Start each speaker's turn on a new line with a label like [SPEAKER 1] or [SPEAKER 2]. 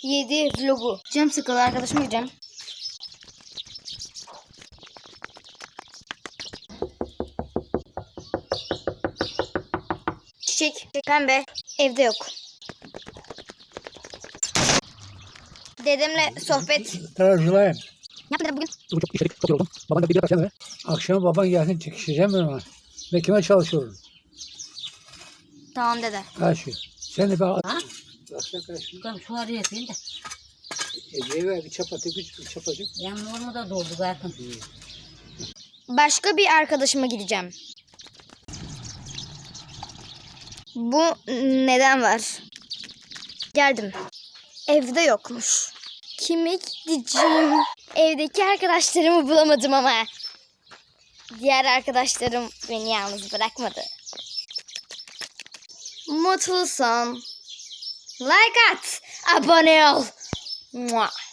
[SPEAKER 1] 7 vlogu. Canım sıkıldı, arkadaşıma gideceğim. Çiçek, pembe, evde yok. Dedemle sohbet.
[SPEAKER 2] Tarafçılayım.
[SPEAKER 1] Ne yaptın bugün?
[SPEAKER 2] Çok işledik, çok yoruldum. Baban da bir bakacağım eve. Akşam baban gelsin çekişeceğim ben ona. Ve kime çalışıyorum?
[SPEAKER 1] Tamam dede.
[SPEAKER 2] Karşı. Sen de bak.
[SPEAKER 3] Ha?
[SPEAKER 2] Baksana karşı.
[SPEAKER 3] Bakalım şu araya yapayım da.
[SPEAKER 2] Ece'ye ver bir çapatı, bir çapacık.
[SPEAKER 3] Benim normu da doldu zaten.
[SPEAKER 1] Başka bir arkadaşıma gideceğim. Bu neden var? Geldim. Evde yokmuş. Kime gideceğim? Evdeki arkadaşlarımı bulamadım ama. Diğer arkadaşlarım beni yalnız bırakmadı. Mutlu son. Like at. Abone ol. Mua.